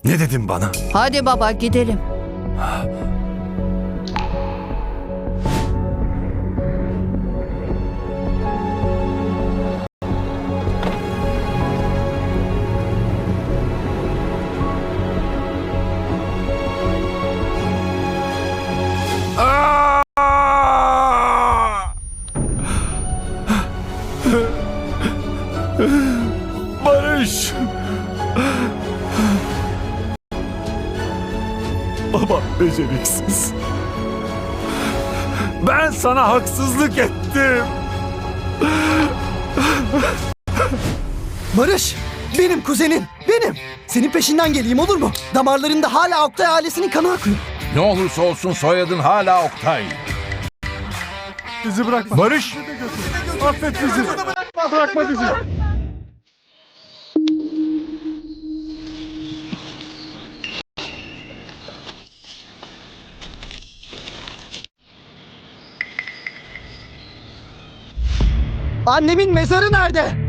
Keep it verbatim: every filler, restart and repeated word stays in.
Ne dedin bana? Hadi baba gidelim. Aa! Barış! Baba beceriksiz. Ben sana haksızlık ettim. Barış, benim kuzenin, benim. Senin peşinden geleyim olur mu? Damarlarında hala Oktay ailesinin kanı akıyor. Ne olursa olsun soyadın hala Oktay. Bizi bırakma. Barış! Affet bizi. Bırakma bizi. Annemin mezarı nerede?